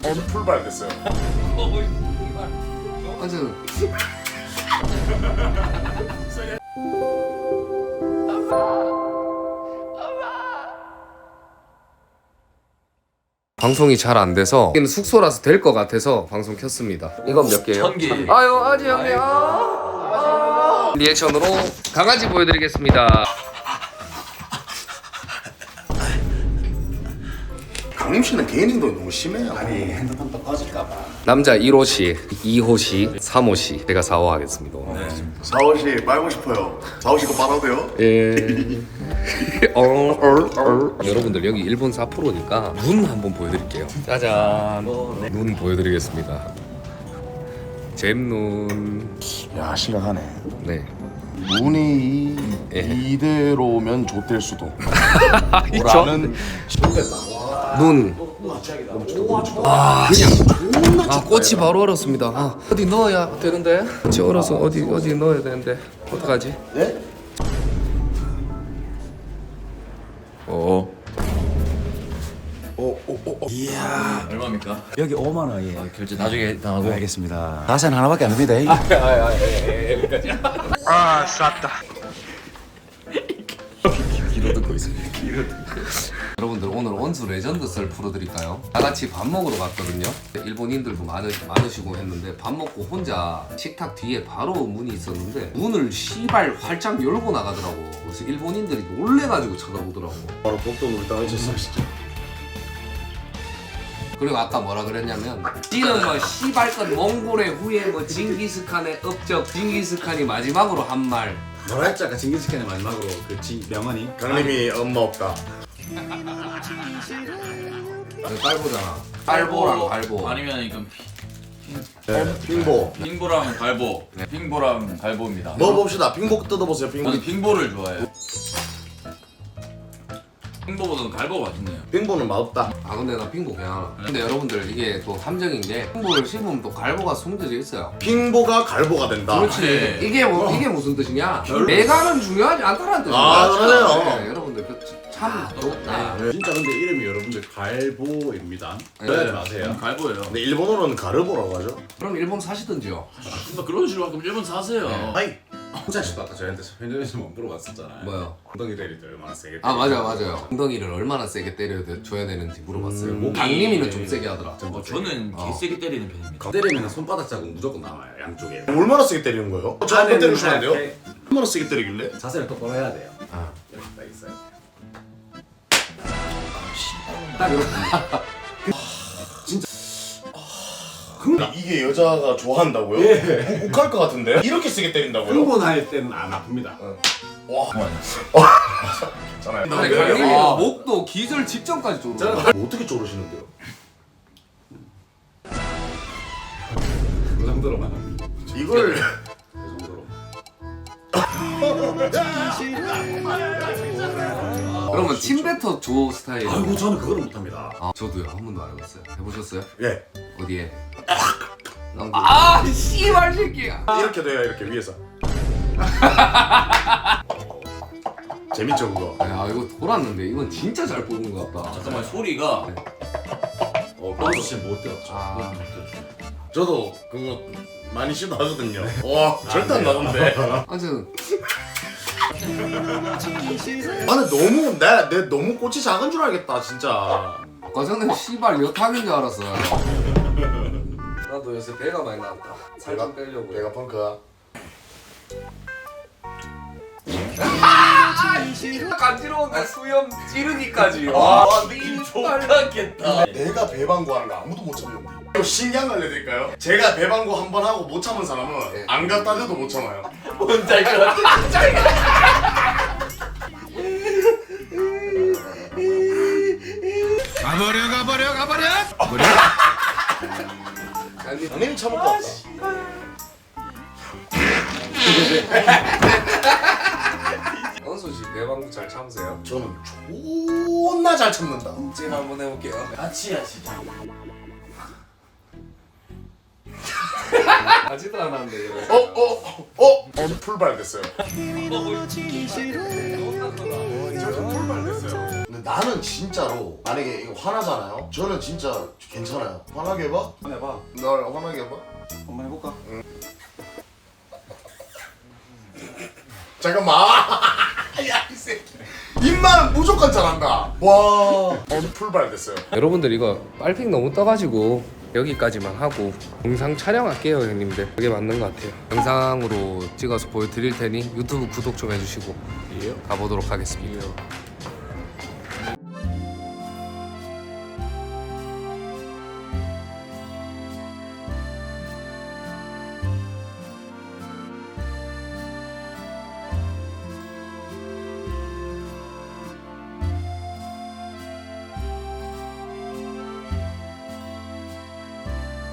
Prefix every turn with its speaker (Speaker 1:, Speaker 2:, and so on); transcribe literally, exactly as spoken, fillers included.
Speaker 1: 풀발 됐어요.
Speaker 2: 완전 방송이 잘 안 돼서 여기는 숙소라서 될 것 같아서 방송 켰습니다. 이건 몇 개예요?
Speaker 3: 천 개.
Speaker 2: 아유 아지 형님. 아, 아. 리액션으로 강아지 보여드리겠습니다.
Speaker 1: 강림 씨는 개인 행동이 너무 심해요.
Speaker 4: 아니 핸드폰 또 꺼질까봐.
Speaker 2: 남자 일 호씨, 이 호씨, 삼 호씨 제가 사 호 하겠습니다. 오늘.
Speaker 1: 사오 씨 빨고 싶어요. 사오 씨도 빨아도 돼요?
Speaker 2: 예. 어, 어, 어. 여러분들 여기 일본 사포로니까 눈 한번 보여드릴게요. 짜잔. 눈 보여드리겠습니다. 잼눈.
Speaker 1: 야 심각하네.
Speaker 2: 네.
Speaker 1: 문이
Speaker 2: 예.
Speaker 1: 이대로면 좆될 수도.
Speaker 2: 있죠?
Speaker 1: 라는
Speaker 2: 눈. 아 그냥. 아 꽃이 바로 얼었습니다. 아, 어디 넣어야 되는데. 꽃이 얼어서 어디 어디 넣어야 되는데 어떡하지?
Speaker 1: 네?
Speaker 2: 어.
Speaker 1: 오오오
Speaker 4: 이야
Speaker 3: 얼마입니까?
Speaker 4: 여기 오만 원이에요.
Speaker 3: 결제 나중에 당하고.
Speaker 4: 알겠습니다. 다시는 하나밖에 안 됩니다.
Speaker 2: 아 쌌다.
Speaker 4: 귀로 듣고 있습니다.
Speaker 2: 여러분들 오늘 원수 레전드 썰 풀어드릴까요? 다 같이 밥 먹으러 갔거든요. 일본인들도 많으, 많으시고 했는데 밥 먹고 혼자 식탁 뒤에 바로 문이 있었는데 문을 시발 활짝 열고 나가더라고. 그래서 일본인들이 놀래가지고 쳐다보더라고.
Speaker 1: 바로 독도놀이 당하셨어요 진짜.
Speaker 2: 그리고 아까 뭐라 그랬냐면 지금 뭐 시발건 몽골의 후예 뭐 징기스칸의 업적 징기스칸이 마지막으로 한 말.
Speaker 4: 뭐라 했지 아까 징기스칸의 마지막으로 그 지, 명언이
Speaker 1: 강림이 엄마 없다.
Speaker 2: 깔보잖아. 깔보랑 갈보.
Speaker 3: 아니면 이건
Speaker 1: 네. 빙보.
Speaker 3: 핑보랑 갈보. 네, 핑보랑 갈보입니다.
Speaker 1: 먹어봅시다. 빙보 뜯어보세요. 빙보.
Speaker 3: 저는 핑보를 좋아해요. 핑보보다는 갈보 맛있네요.
Speaker 1: 빙보는 맛없다.
Speaker 2: 아 근데 나 핑보 그냥 근데 여러분들 이게 또 함정인 게 핑보를 씹으면 또 갈보가 숨겨져 있어요.
Speaker 1: 빙보가 갈보가 된다.
Speaker 2: 그렇지.
Speaker 3: 네.
Speaker 2: 이게 뭐 이게 무슨 뜻이냐? 내가는 중요하지 않다라는 뜻이야.
Speaker 1: 아, 그러네요.
Speaker 2: 네, 여러분들 그 참 좋다.
Speaker 4: 진짜 근데 이름이 여러분들 갈보입니다.
Speaker 2: 네.
Speaker 4: 네, 아세요?
Speaker 3: 갈보예요.
Speaker 1: 근데 일본어로는 가르보라고 하죠.
Speaker 2: 그럼 일본 사시든지요.
Speaker 3: 뭐 그런 식으로 그럼 일본 사세요.
Speaker 1: 아이.
Speaker 4: 혼자 씨도 아까 저희한테 편의점에서 못 물어봤었잖아요.
Speaker 2: 뭐요?
Speaker 4: 엉덩이 때릴 때 얼마나 세게
Speaker 2: 아 맞아
Speaker 4: 때리는지.
Speaker 2: 맞아요. 엉덩이를 얼마나 세게 때려 줘야 되는지 물어봤어요.
Speaker 4: 음,
Speaker 2: 강림이는 좀 세게 하더라.
Speaker 3: 어, 저는
Speaker 2: 어.
Speaker 3: 개세게 때리는 편입니다.
Speaker 4: 때리면 손바닥 자국 무조건 나와요 양쪽에.
Speaker 1: 얼마나 세게 때리는 거예요? 저 한번 때려주시면 안 돼요?
Speaker 4: 네.
Speaker 1: 얼마나 세게 때리길래?
Speaker 4: 자세를 똑바로 해야 돼요.
Speaker 2: 아.
Speaker 4: 이렇게 딱 있어요.
Speaker 2: 딱 이렇게.
Speaker 1: 근데 이게 여자가 좋아한다고요?
Speaker 4: 예.
Speaker 1: 욱할 것 같은데? 이렇게 세게 때린다고요?
Speaker 4: 흥분할 때는 안 아픕니다.
Speaker 1: 와. 괜찮아요.
Speaker 2: 아니 강림이는 목도 기절 직전까지 조르.
Speaker 1: 저는 어떻게 조르시는데요?
Speaker 4: 그 정도로만 합니다.
Speaker 1: 이걸
Speaker 4: 그 정도로.
Speaker 2: 그러면 침뱉어 줘 스타일.
Speaker 4: 아이고 저는 그거를 못합니다.
Speaker 2: 아 저도요 한 번도 안 해봤어요. 해보셨어요?
Speaker 1: 예
Speaker 2: 어디에? 아 씨발 새끼야.
Speaker 1: 이렇게 돼요 이렇게 위에서. 재밌죠 그거?
Speaker 2: 야 이거 돌았는데 이건 진짜 잘 뽑은 것 같다.
Speaker 3: 잠깐만 소리가
Speaker 4: 어, 빵수 씨못 들었죠.
Speaker 2: 아.
Speaker 1: 저도 그거 많이 시도하거든요. 와 절대 안 나오는데.
Speaker 2: 아무튼
Speaker 1: 나는 너무 내, 내 너무 꽃이 작은 줄 알겠다 진짜.
Speaker 2: 아까 전에 씨발 여탕인 줄 알았어요. 나도 요새 배가 많이 나왔다. 살 좀 빼려고.
Speaker 1: 내가 펑크야.
Speaker 2: 간지러운데 수염 찌르기까지.
Speaker 3: 와 느낌 좋겠다.
Speaker 1: 내가 배방구하는 거 아무도 못 참는데. 이거 신기한 거 알려드릴까요? 제가 배방구 한 번 하고 못 참은 사람은
Speaker 2: 네.
Speaker 1: 안 갖다 대도 못 참아요.
Speaker 3: 뭔지 알 것 같아.
Speaker 4: 가버려 가버려 가버려.
Speaker 1: 당연히 참을 것 같다.
Speaker 2: 원수 씨 대방구 잘 참으세요?
Speaker 1: 저는 존나 잘 참는다.
Speaker 2: 지금 한번 해볼게요.
Speaker 3: 같이 하시.
Speaker 2: 하지도 않았는데 이거.
Speaker 1: 어, 어, 어, 어, 풀발 됐어요.
Speaker 2: 어,
Speaker 1: 저 풀발 됐어요. 근데 나는 진짜로 만약에 이거 화나잖아요. 저는 진짜 괜찮아요. 화나게 해봐.
Speaker 4: 한번 해봐.
Speaker 1: 널 화나게 해봐.
Speaker 4: 한번 해볼까?
Speaker 1: 잠깐만. 야, 이 새끼. 입만 무조건 잘한다. 와. 오늘 풀발 됐어요.
Speaker 2: 여러분들 이거 빨핑 너무 떠가지고 여기까지만 하고 영상 촬영할게요 형님들. 그게 맞는 것 같아요. 영상으로 찍어서 보여드릴 테니 유튜브 구독 좀 해주시고
Speaker 4: 예.
Speaker 2: 가보도록 하겠습니다.